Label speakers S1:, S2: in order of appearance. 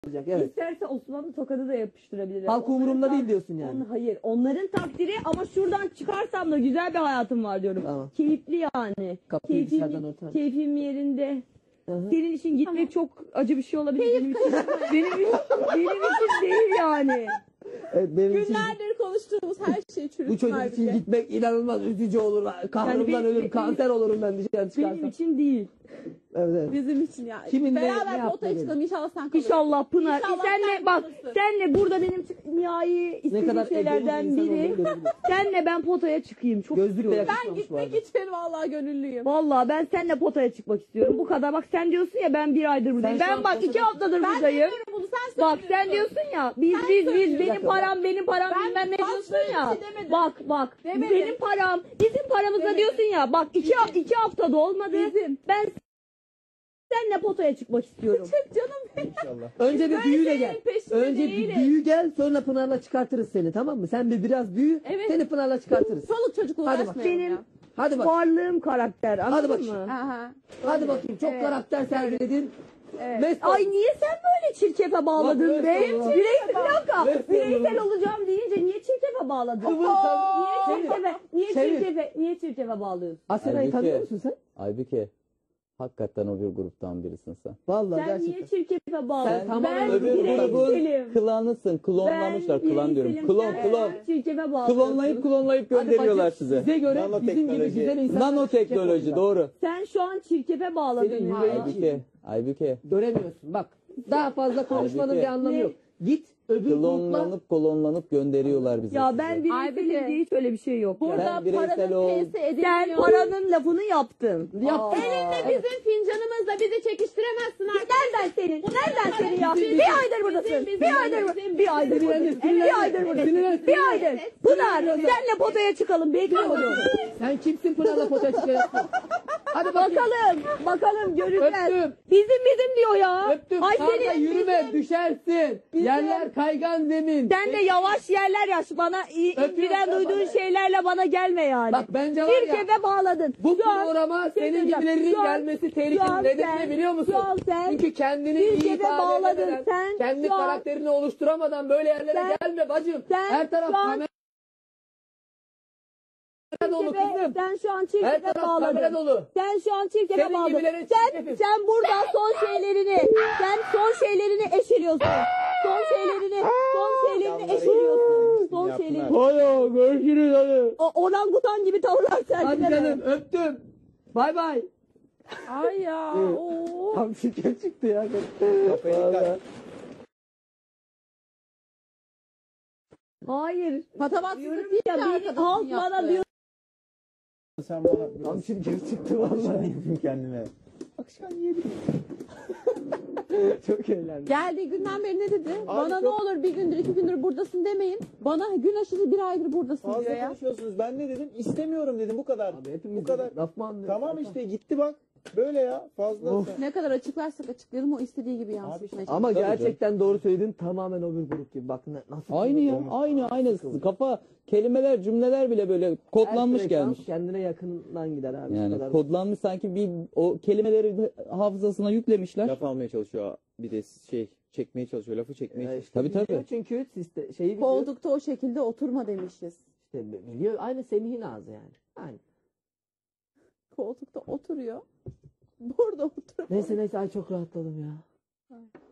S1: Evet.
S2: İsterse Osmanlı tokadı da yapıştırabilir.
S1: Halk umurumda değil diyorsun yani.
S2: Hayır. Onların takdiri ama şuradan çıkarsam da güzel bir hayatım var diyorum.
S1: Tamam.
S2: Keyifli yani.
S1: Kapıyı dışarıdan örter.
S2: Keyfim yerinde.
S1: Hı-hı.
S2: Senin için gitmek çok acı bir şey olabilir. Benim için değil yani.
S1: Evet, benim için
S3: Günlerdir konuştuğumuz her şey çürütmüş.
S1: bu çocuk için gitmek inanılmaz üzücü olur. Kahrımdan ölürüm, kanser olurum ben dışarı çıkarsam.
S2: Benim için değil.
S1: Evet.
S3: Bizim için ya.
S1: Kimin ne
S3: Beraber
S1: yaptığını
S3: potaya çıkalım inşallah sen kalırsın.
S2: İnşallah Pınar.
S3: İnşallah
S2: Senle
S3: sen
S2: bak,
S3: kalırsın.
S2: senle burada benim nihai
S1: Ne
S2: istediğim
S1: kadar
S2: şeylerden
S1: egolu bir insan
S2: biri.
S1: olduğunu görebilirim.
S2: Senle ben potaya çıkayım. Çok
S1: Gözlükle
S2: istiyorum.
S3: Ben
S1: yakışmamış bu arada.
S3: gitmek için vallahi gönüllüyüm.
S2: Vallahi ben seninle potaya çıkmak istiyorum. Bu kadar. Bak sen diyorsun ya ben bir aydır buradayım.
S1: Sen şu
S2: Ben
S1: an
S2: bak
S1: potada-
S2: 2 haftadır
S3: Ben
S2: buradayım.
S3: demiyorum bunu sen
S2: Bak
S3: söylüyorsun.
S2: sen diyorsun ya biz
S1: Bir
S2: benim
S1: dakika,
S2: param
S3: Ben
S2: bilmem ne
S3: bak
S2: diyorsun
S3: böyle
S2: ya.
S3: bir şey demedim.
S2: Bak
S3: Demedim.
S2: benim param bizim paramıza
S3: Demedim.
S2: diyorsun ya. Bak iki haftada olmadı.
S3: Bizim.
S2: Ben seninle potaya çıkmak istiyorum.
S3: Çık canım benim.
S4: İnşallah.
S1: Önce bir
S3: Böyle
S1: büyüyle
S3: şeylerin
S1: gel.
S3: peşinde
S1: Önce bir
S3: değilim.
S1: büyü gel, sonra Pınar'la çıkartırız seni, tamam mı? Sen biraz büyü,
S3: Evet.
S1: seni Pınar'la çıkartırız.
S3: Çoluk çocukla
S1: Hadi bak.
S3: uğraşmayalım
S2: Benim
S3: ya.
S1: Hadi bak.
S2: varlığım karakter. Anladın
S1: bakayım.
S2: mı?
S3: Aha.
S1: Hadi bakayım. Çok
S2: Evet.
S1: karakter sergiledin.
S3: Evet.
S1: Mesut.
S2: Ay niye sen böyle çirkefe bağladın
S1: Bak,
S2: be?
S1: evet, Allah.
S2: Bir dakika.
S1: Evet,
S2: Bireysel
S1: Allah.
S2: olacağım deyince niye çirkefe bağladın?
S1: Kıvır
S2: Niye
S1: Çevir.
S2: Niye çirkefe bağlıyorsun?
S1: Asena'yı
S4: Halbuki-
S1: tanıyor musun sen?
S4: Aybüke, hakikaten o bir gruptan birisin sen.
S1: Vallahi
S2: Sen niye
S1: gerçekten.
S2: çirkefe bağladın?
S1: Sen tamamen
S2: ben
S4: öbür
S2: bireyselim.
S4: Klanısın, klonlamışlar, klan diyorum. Klon.
S2: Çirkefe bağlıyorsun.
S4: Klonlayıp
S1: Hadi
S4: gönderiyorlar
S1: bacım,
S4: size.
S1: Size göre bizim gibi
S4: Nanoteknoloji.
S1: güzel insanlar.
S4: Nanoteknoloji, doğru.
S2: Sen şu an çirkefe bağladın
S1: Senin
S2: ya.
S1: yüreğin-
S4: Aybüke.
S1: Göremiyorsun. Bak. Daha fazla konuşmanın
S4: Halbuki-
S1: bir anlamı
S2: Ne?
S1: yok. Git öbür grupla.
S4: Klonlanıp gönderiyorlar bizi.
S2: Ya ben
S4: size.
S2: bireyselim diye hiç öyle bir şey yok.
S3: Burada
S2: ya.
S4: Ben bireysel
S3: paranın
S4: ol.
S3: peysi
S2: Sen
S3: edilmiyor.
S2: paranın lafını yaptın.
S1: Yap.
S3: Elinde bizim fincanımızla bizi çekiştiremezsin artık.
S2: Nereden senin? Nereden senin ya?
S3: Bizim,
S2: Bir aydır buradasın.
S3: bizim,
S2: Bir aydır
S3: bizim,
S2: bir aydır
S3: bizim,
S2: buradasın.
S1: bizim,
S2: Bir aydır buradasın.
S1: bizim,
S2: Bir aydır. Pınar senle potaya çıkalım. Bekliyorum.
S1: Sen kimsin Pınar'la potaya çıkacaksın? Hadi bakayım.
S2: Bakalım göreceğiz.
S1: Öptüm.
S2: Bizim diyor ya.
S1: Öptüm.
S2: Ay
S1: Kanka
S2: senin
S1: yürüme, düşersin. Yerler kaygan zemin.
S2: sen de yavaş yerler yaş. Bana inciden duyduğun şeylerle bana gelme yani.
S1: Bak bence var ya.
S2: Çirkefe bağladın.
S1: Bu
S2: Şu an-
S1: programa senin
S2: söyleyeceğim.
S1: gibilerinin
S2: Şu an-
S1: gelmesi
S2: şu
S1: tehlikeli.
S2: an
S1: Neden
S2: sen-
S1: ne biliyor musun?
S2: şu an sen
S1: Çünkü kendini iyi
S2: Türkiye'de
S1: ifade
S2: bağladın.
S1: edemeden,
S2: Sen
S1: kendi
S2: şu an-
S1: karakterini oluşturamadan böyle yerlere gelme bacım.
S2: sen
S1: Her taraf
S2: şu an-
S1: kamera dolu kızım.
S2: Sen şu an
S1: Her
S2: çirkefe
S1: taraf kamera
S2: bağladın.
S1: dolu.
S2: Sen şu an çirkefe
S1: Senin
S2: bağladın.
S1: gibilerin çirkefi.
S2: Sen burada son şeylerini eşeliyorsun. Son şeylerini eşeliyorsun. Son şeylerini.
S1: Hadi görüşürüz hadi.
S2: Orangutan gibi tavırlar
S1: Hadi
S2: sergileme.
S1: canım öptüm. Bay bay.
S3: Ay ya.
S1: Evet.
S3: Oo.
S1: Tam şeker çıktı ya.
S4: Kafayı
S2: Hayır.
S3: Patavatsızlık değil
S2: Ya
S3: ki
S2: beni
S3: arkadaşın
S2: halk bana
S3: yaptığı.
S2: diyor.
S4: Sen bana
S1: Tam şeker çıktı vallahi.
S4: yedim kendime.
S1: Akşam yedim. Çok eğlendim.
S3: Geldiği günden beri ne dedi? Bana
S4: çok-
S3: ne olur bir gündür 2 gündür buradasın demeyin. Bana gün aşırı 1 aydır buradasın diyor
S4: Fazla
S3: ya.
S4: konuşuyorsunuz. Ben ne dedim? İstemiyorum dedim, bu kadar.
S1: Abi hepimiz
S4: Bu kadar.
S1: laf mı anlıyoruz?
S4: Tamam işte, gitti bak. Böyle ya. Fazla.
S1: Of.
S3: Ne kadar açıklarsak açıklayalım o istediği gibi yansıtmaya
S1: Ama
S4: Tabii
S1: gerçekten doğru söyledin. Tamamen o bir grup gibi. Bak nasıl.
S4: Aynı ya. Aynı. Kafa, kelimeler, cümleler bile böyle kodlanmış
S1: Her
S4: gelmiş.
S1: frekans kendine yakından gider abi. Bu
S4: Yani
S1: kadar.
S4: kodlanmış, sanki bir o kelimeleri hafızasına yüklemişler.
S5: Laf almaya çalışıyor. Bir de çekmeye çalışıyor. Lafı çekmeye çalışıyor.
S1: İşte
S4: Tabii,
S1: biliyor
S4: tabii.
S1: Çünkü şeyi biliyor.
S3: Koltukta o şekilde oturma demişiz.
S1: İşte biliyor. Aynı Semih'in ağzı yani. Aynı.
S3: Koltukta oturuyor. Burada oturuyor.
S1: Neyse ay çok rahatladım ya.